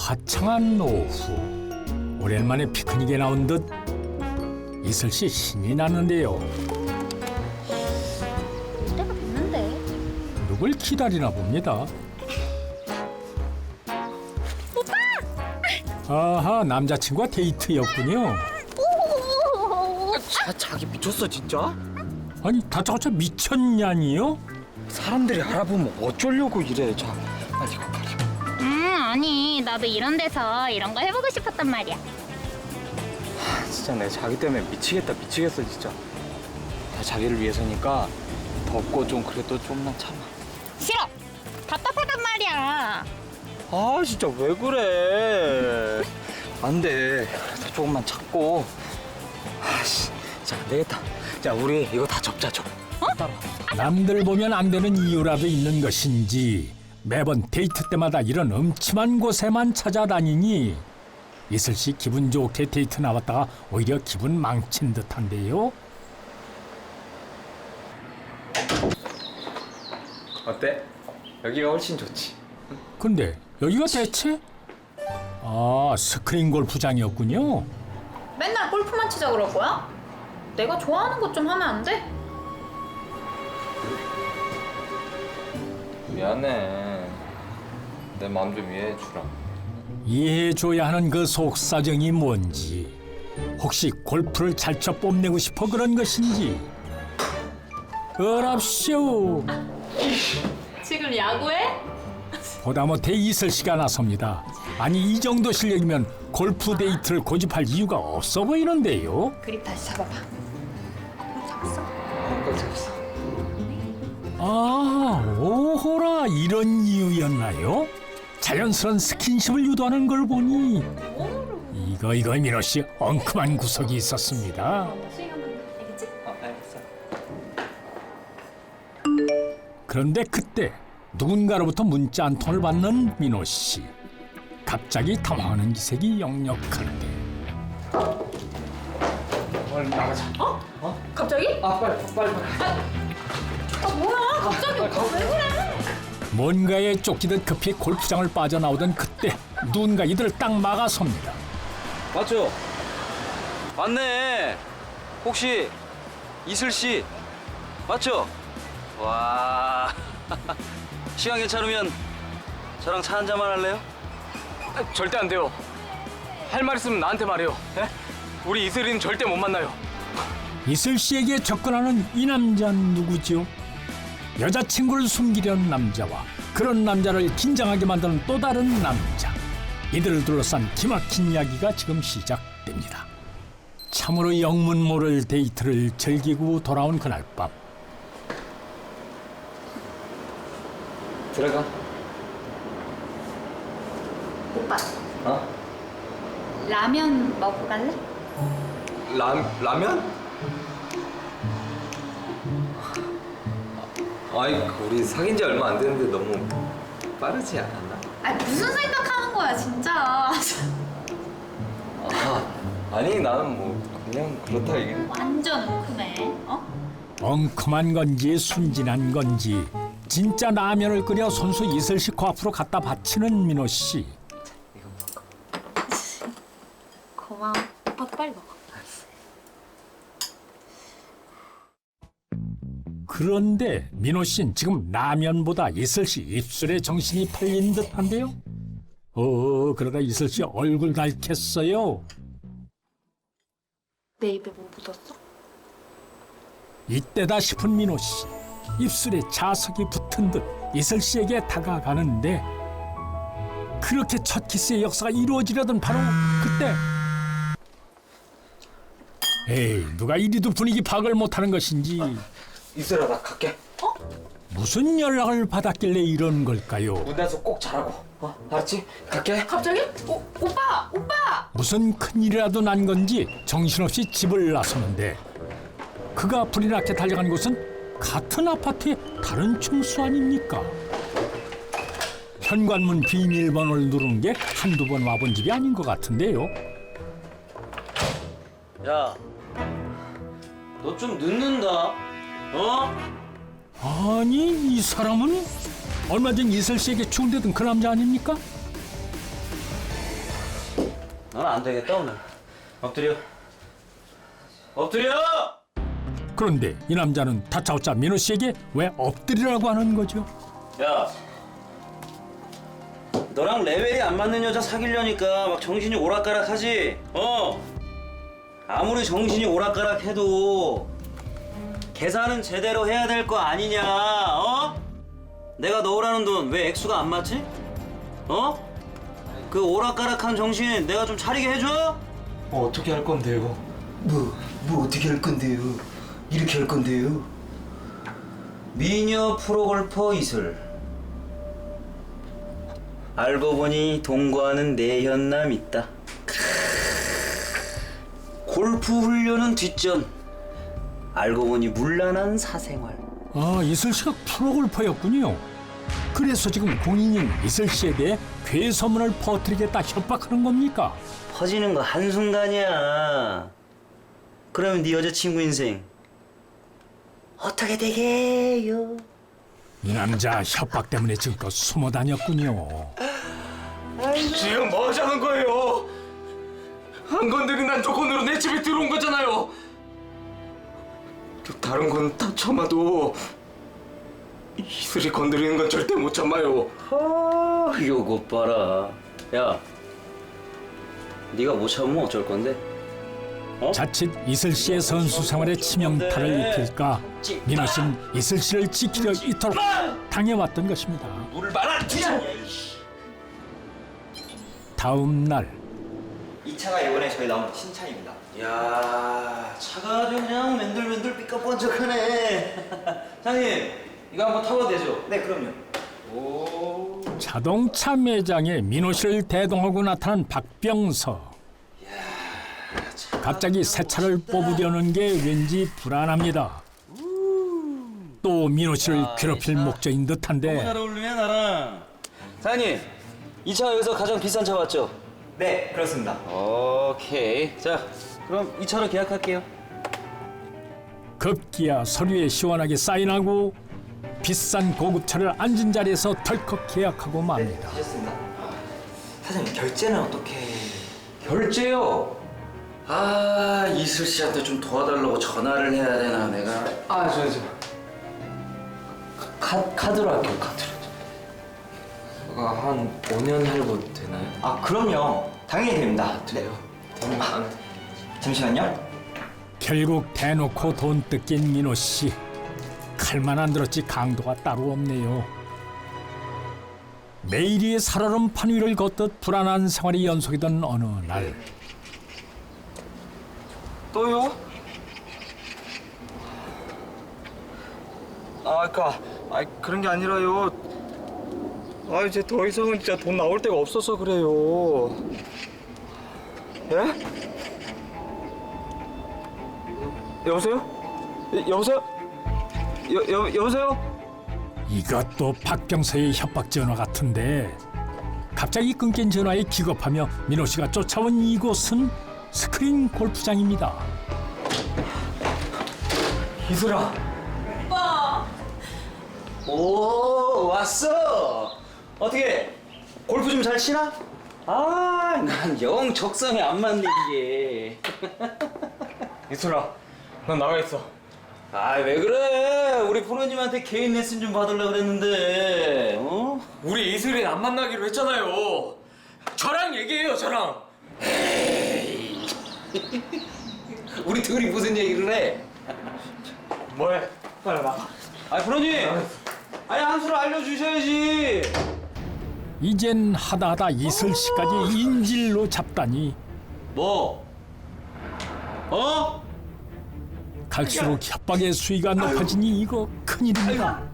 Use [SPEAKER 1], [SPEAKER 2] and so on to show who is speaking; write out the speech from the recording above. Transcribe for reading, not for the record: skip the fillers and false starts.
[SPEAKER 1] 화창한 오후, 오랜만에 피크닉에 나온 듯 이슬 씨 신이 나는데요.
[SPEAKER 2] 때가 됐는데.
[SPEAKER 1] 누굴 기다리나 봅니다. 아하, 남자친구와 데이트였군요.
[SPEAKER 3] 자기 미쳤어 진짜?
[SPEAKER 1] 아니, 다짜고짜 미쳤냐니요?
[SPEAKER 3] 사람들이 알아보면 어쩌려고 이래. 자, 빨리 이거 가려.
[SPEAKER 2] 아니 나도 이런 데서 이런 거 해보고 싶었단 말이야.
[SPEAKER 3] 진짜 내 자기 때문에 미치겠어 진짜. 다 자기를 위해서니까 덥고 좀 그래도 좀만 참아.
[SPEAKER 2] 싫어. 답답하단 말이야.
[SPEAKER 3] 아 진짜 왜 그래? 안 돼. 그래도 조금만 참고. 아씨, 자 안 되겠다. 자 우리 이거 다 접자 좀. 따라와.
[SPEAKER 1] 남들 보면 안 되는 이유라도 있는 것인지 매번 데이트 때마다 이런 음침한 곳에만 찾아다니니 이슬 씨 기분 좋게 데이트 나왔다가 오히려 기분 망친 듯한데요.
[SPEAKER 3] 어때? 여기가 훨씬 좋지.
[SPEAKER 1] 근데 여기가 대체? 아, 스크린 골프장이었군요.
[SPEAKER 4] 맨날 골프만 치자 그럴 거야? 내가 좋아하는 것 좀 하면 안 돼?
[SPEAKER 3] 미안해. 내 마음 좀 이해해 주라.
[SPEAKER 1] 이해해줘야 하는 그 속사정이 뭔지, 혹시 골프를 잘 쳐 뽐내고 싶어 그런 것인지. 어랍쇼.
[SPEAKER 4] 지금 야구해?
[SPEAKER 1] 보다 못해 이슬 씨가 나섭니다. 아니, 이 정도 실력이면 골프 데이트를 고집할 이유가 없어 보이는데요.
[SPEAKER 4] 그립 다시 잡아봐.
[SPEAKER 3] 잡았어.
[SPEAKER 1] 아, 오호라, 이런 이유였나요? 자연스러운 스킨십을 유도하는 걸 보니 이거 민호 씨 엉큼한 구석이 있었습니다.
[SPEAKER 3] 알겠어.
[SPEAKER 1] 그런데 그때 누군가로부터 문자 한 통을 받는 민호 씨. 갑자기 당황하는 기색이 역력한데.
[SPEAKER 3] 빨리 나가자.
[SPEAKER 4] 갑자기?
[SPEAKER 3] 빨리.
[SPEAKER 4] 뭐야? 갑자기 왜 그래?
[SPEAKER 1] 뭔가에 쫓기듯 급히 골프장을 빠져나오던 그때 누군가 이들을 딱 막아섭니다.
[SPEAKER 5] 맞죠? 맞네. 혹시 이슬 씨 맞죠? 와. 시간 괜찮으면 저랑 차 한 잔만 할래요?
[SPEAKER 6] 절대 안 돼요. 할 말 있으면 나한테 말해요. 예? 우리 이슬이는 절대 못 만나요.
[SPEAKER 1] 이슬 씨에게 접근하는 이 남자는 누구죠? 여자친구를 숨기려는 남자와 그런 남자를 긴장하게 만드는 또 다른 남자. 이들을 둘러싼 기막힌 이야기가 지금 시작됩니다. 참으로 영문 모를 데이트를 즐기고 돌아온 그날 밤.
[SPEAKER 3] 들어가.
[SPEAKER 4] 오빠
[SPEAKER 3] 어?
[SPEAKER 4] 라면 먹고 갈래?
[SPEAKER 5] 라면? 아이, 우리 사귄 지 얼마 안 됐는데 너무 빠르지 않았나?
[SPEAKER 4] 아 무슨 생각하는 거야 진짜.
[SPEAKER 5] 아니, 나는 뭐 그냥 그렇다 얘기는.
[SPEAKER 4] 완전 웅큼해. 어?
[SPEAKER 1] 엉큼한 건지 순진한 건지 진짜 라면을 끓여 손수 이슬 씨 코앞으로 갖다 바치는 민호 씨.
[SPEAKER 4] 고마워. 오빠도 빨리 먹어.
[SPEAKER 1] 그런데 민호 씨는 지금 라면보다 이슬 씨 입술에 정신이 팔린 듯한데요. 그러다 이슬 씨 얼굴 닳겠어요.
[SPEAKER 4] 내 입에 뭐 묻었어?
[SPEAKER 1] 이때다 싶은 민호 씨. 입술에 자석이 붙은 듯 이슬 씨에게 다가가는데 그렇게 첫 키스의 역사가 이루어지려던 바로 그때. 에이, 누가 이리도 분위기 파악을 못하는 것인지
[SPEAKER 3] 이슬아 나 갈게.
[SPEAKER 1] 무슨 연락을 받았길래 이런 걸까요?
[SPEAKER 3] 무대에서 꼭 잘하고. 알았지? 갈게.
[SPEAKER 4] 갑자기? 오빠!
[SPEAKER 1] 무슨 큰일이라도 난 건지 정신없이 집을 나서는데 그가 불이 나게 달려간 곳은 같은 아파트의 다른 층수 아닙니까? 현관문 비밀번호를 누르는 게 한두 번 와본 집이 아닌 것 같은데요.
[SPEAKER 5] 야, 너 좀 늦는다. 어?
[SPEAKER 1] 아니, 이 사람은 얼마 전 이슬 씨에게 추운데던 그 남자 아닙니까?
[SPEAKER 3] 넌 안 되겠다 오늘. 엎드려. 엎드려!
[SPEAKER 1] 그런데 이 남자는 다짜고짜 민호 씨에게 왜 엎드리라고 하는 거죠?
[SPEAKER 3] 야, 너랑 레벨이 안 맞는 여자 사귀려니까 막 정신이 오락가락하지? 아무리 정신이 오락가락해도 계산은 제대로 해야 될 거 아니냐? 내가 넣으라는 돈 왜 액수가 안 맞지? 그 오락가락한 정신 내가 좀 차리게 해줘?
[SPEAKER 5] 어떻게 할 건데요?
[SPEAKER 3] 뭐 어떻게 할 건데요? 이렇게 할 건데요? 미녀 프로골퍼 이슬. 알고 보니 동거하는 내현남 있다. 골프 훈련은 뒷전. 알고 보니 문란한 사생활.
[SPEAKER 1] 아, 이슬 씨가 프로골퍼였군요. 그래서 지금 공인인 이슬 씨에 대해 괴소문을 퍼뜨리겠다 협박하는 겁니까?
[SPEAKER 3] 퍼지는 거 한순간이야. 그러면 네 여자친구 인생 어떻게 되게요?
[SPEAKER 1] 이 남자 협박 때문에 지금껏 숨어 다녔군요.
[SPEAKER 6] 지금 뭐 하자는 거예요? 안 건드린다는 조건으로 내 집에 들어온 거잖아요. 다른 건 다 참아도 이슬이 건드리는 건 절대 못 참아요.
[SPEAKER 3] 요것 봐라. 야, 네가 못 참으면 어쩔 건데?
[SPEAKER 1] 자칫 이슬 씨의 선수 생활에 치명타를 입힐까 민호 씨는 이슬 씨를 지키려 이토록 당해왔던 것입니다.
[SPEAKER 3] 물을 말아 주자.
[SPEAKER 1] 다음 날
[SPEAKER 7] 이 차가 이번에 저희 나온 신차입니다.
[SPEAKER 3] 야, 차가 아주 그냥 맨들맨들 삐까뻔쩍하네. 장님, 이거 한번 타봐도 되죠?
[SPEAKER 7] 네, 그럼요.
[SPEAKER 1] 자동차 매장에 민호 씨를 대동하고 나타난 박병서. 갑자기 새 차를 뽑으려는 게 왠지 불안합니다. 또 민호 씨를 괴롭힐 목적인
[SPEAKER 3] 너무 잘
[SPEAKER 1] 듯한데
[SPEAKER 3] 어울리네 나랑. 사장님, 이 차가 여기서 가장 비싼 차 맞죠?
[SPEAKER 7] 네, 그렇습니다.
[SPEAKER 3] 오케이. 자, 그럼 이 차로 계약할게요.
[SPEAKER 1] 급기야 서류에 시원하게 사인하고 비싼 고급차를 앉은 자리에서 덜컥 계약하고 맙니다.
[SPEAKER 7] 하셨습니다. 사장님, 결제는 어떻게...
[SPEAKER 3] 결제요? 아, 이슬 씨한테 좀 도와달라고 전화를 해야 되나 내가. 카드로 할게요, 카드로.
[SPEAKER 5] 한 5년 할부 되나요?
[SPEAKER 7] 아, 그럼요. 당연히 됩니다.
[SPEAKER 5] 돼요?
[SPEAKER 7] 잠시만요.
[SPEAKER 1] 결국 대놓고 돈 뜯긴 민호 씨. 칼만 안 들었지 강도가 따로 없네요. 매일이 살얼음 판 위를 걷듯 불안한 생활이 연속이던 어느 날
[SPEAKER 3] 또요?
[SPEAKER 6] 그런 게 아니라요. 이제 더 이상은 진짜 돈 나올 데가 없어서 그래요. 예? 여보세요? 여보세요? 여보세요?
[SPEAKER 1] 이것도 박병서의 협박 전화 같은데 갑자기 끊긴 전화에 기겁하며 민호 씨가 쫓아온 이곳은 스크린 골프장입니다.
[SPEAKER 6] 이슬아.
[SPEAKER 3] 오, 왔어. 어떻게 골프 좀 잘 치나? 아, 난 영 적성에 안 맞네 이게.
[SPEAKER 6] 이슬아, 넌 나가 있어.
[SPEAKER 3] 아, 왜 그래? 우리 프로님한테 개인 레슨 좀 받으려고 그랬는데.
[SPEAKER 6] 우리 이슬이 안 만나기로 했잖아요. 저랑 얘기해요, 저랑.
[SPEAKER 3] 우리 둘이 무슨 얘기를 해?
[SPEAKER 6] 뭐해? 빨리 나가.
[SPEAKER 3] 아, 프로님. 아니, 한 수를 알려주셔야지.
[SPEAKER 1] 이젠 하다하다 이슬 씨까지 인질로 잡다니
[SPEAKER 3] 뭐?
[SPEAKER 1] 갈수록 협박의 수위가 높아지니 이거 큰일입니다.